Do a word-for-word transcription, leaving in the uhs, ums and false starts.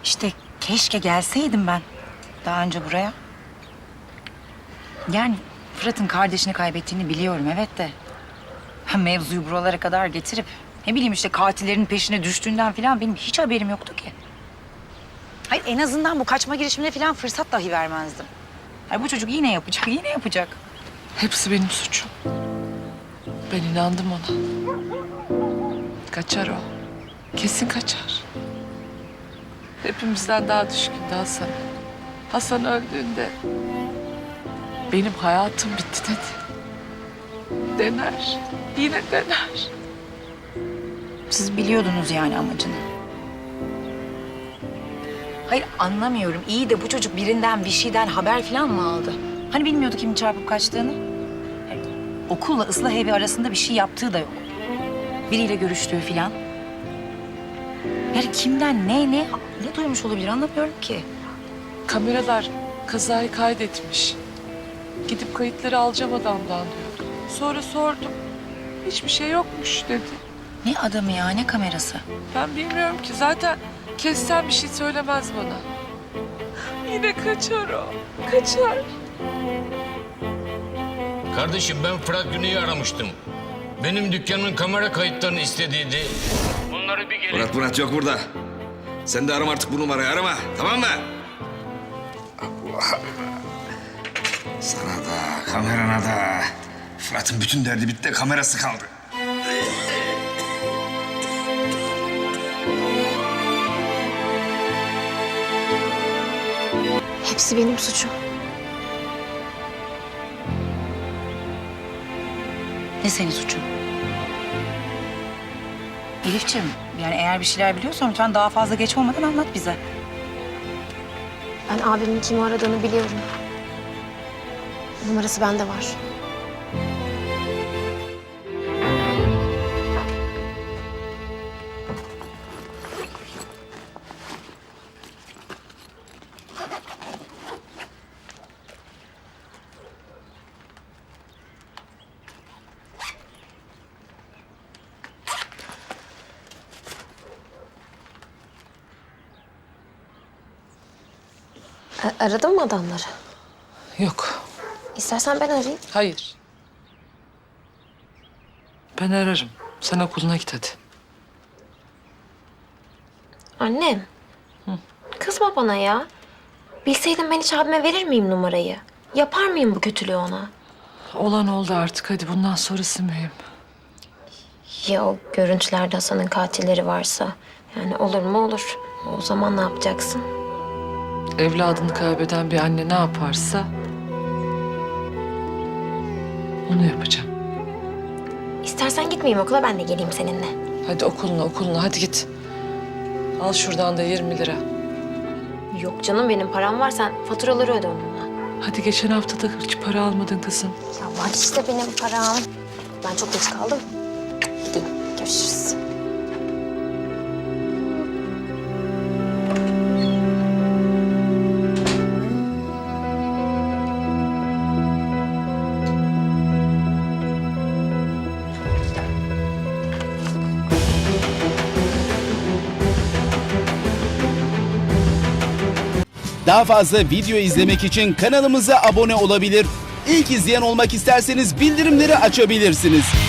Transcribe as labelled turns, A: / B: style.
A: İşte keşke gelseydim ben daha önce buraya. Yani Fırat'ın kardeşini kaybettiğini biliyorum evet de... ha, mevzuyu buralara kadar getirip... ne bileyim işte katillerin peşine düştüğünden falan benim hiç haberim yoktu ki. Hayır en azından bu kaçma girişimine falan fırsat dahi vermezdim. Hayır bu çocuk yine yapacak, yine yapacak.
B: Hepsi benim suçum. Ben inandım ona. Kaçar o. Kesin kaçar. Hepimizden daha düşkündü Hasan. Hasan öldüğünde benim hayatım bitti dedi. Dener. Yine dener.
A: Siz biliyordunuz yani amacını. Hayır anlamıyorum. İyi de bu çocuk birinden bir şeyden haber falan mı aldı? Hani bilmiyordu kimin çarpıp kaçtığını? Hayır, okulla ıslah evi arasında bir şey yaptığı da yok. Biriyle görüştüğü falan. Yani kimden ne ne ne duymuş olabilir anlamıyorum ki.
B: Kameralar kazayı kaydetmiş. Gidip kayıtları alacağım adamdan diyordu. Sonra sordum. Hiçbir şey yokmuş dedi.
A: Ne adamı ya ne kamerası?
B: Ben bilmiyorum ki. Zaten kessen bir şey söylemez bana. Yine kaçar o. Kaçar.
C: Kardeşim ben Fırat Güney'i aramıştım. Benim dükkanımın kamera kayıtlarını istediydi. Bunları bir gelin...
D: Murat Murat yok burada. Sen de arama artık bu numarayı arama. Tamam mı? Allah. Sana da kamerana da. Fırat'ın bütün derdi bitti. Kamerası kaldı.
E: Hepsi benim suçum.
A: Ne senin suçun? Elifciğim yani eğer bir şeyler biliyorsan lütfen daha fazla geç olmadan anlat bize.
E: Ben abimin kimi aradığını biliyorum. Numarası bende var. A- aradın mı adamları?
B: Yok.
E: İstersen ben arayayım.
B: Hayır. Ben ararım. Sen okuluna git hadi.
E: Annem. Kızma bana ya. Bilseydim ben hiç abime verir miyim numarayı? Yapar mıyım bu kötülüğü ona?
B: Olan oldu artık. Hadi bundan sonrası mühim.
E: Ya o görüntülerde Hasan'ın katilleri varsa? Yani olur mu olur. O zaman ne yapacaksın?
B: Evladını kaybeden bir anne ne yaparsa... onu yapacağım.
E: İstersen gitmeyeyim okula, ben de geleyim seninle.
B: Hadi okuluna okuluna hadi git. Al şuradan da yirmi lira.
E: Yok canım, benim param var, sen faturaları öde onunla.
B: Hadi geçen hafta da hiç para almadın kızım.
E: Ya var işte benim param. Ben çok geç kaldım. Gideyim, görüşürüz.
F: Daha fazla video izlemek için kanalımıza abone olabilir. İlk izleyen olmak isterseniz bildirimleri açabilirsiniz.